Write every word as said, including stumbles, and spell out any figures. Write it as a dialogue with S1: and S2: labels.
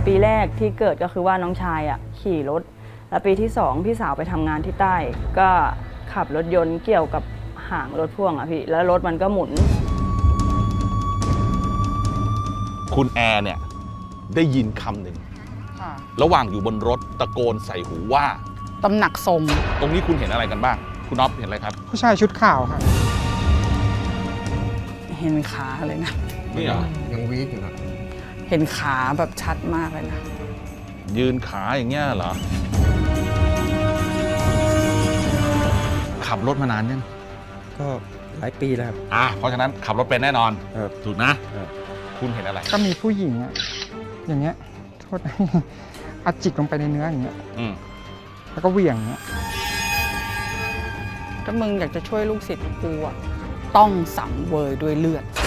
S1: ปีแรกที่เกิดก็คือว่าน้องชายอ่ะขี่รถแล้วปีที่สองพี่สาวไปทำงานที่ใต้ก็ขับรถยนต์เกี่ยวกับหางรถพ่วงอ่ะพี่แล้วรถมันก็หมุน
S2: คุณแอร์เนี่ยได้ยินคำหนึ่งระหว่างอยู่บนรถตะโกนใส่หูว่า
S3: ตำหนักทรง
S2: ตรงนี้คุณเห็นอะไรกันบ้างคุณอ๊อฟเห็นอะไรครับ
S4: ผู้ชายชุดขาวครับ
S3: เห็นขาเลยนะ
S2: นี่เหรอ
S5: ยังวีดอยู่นะ
S3: เห็นขาแบบชัดมากเลยนะ
S2: ยืนขาอย่างเงี้ยเหรอขับรถมานานยัง
S5: ก็หลายปีแล้วครับ
S2: อ่ะเพราะฉะนั้นขับรถเป็นแน่นอน
S5: ครับ
S2: ถูกนะคุณเห็นอะไร
S4: ก็มีผู้หญิงอะอย่างเงี้ยโทษอัดจิกลงไปในเนื้ออย่างเงี้ยแล้วก็เหวี่ยงเงี้ย
S3: ถ้ามึงอยากจะช่วยลูกศิษย์กูอะต้องสังเวยด้วยเลือด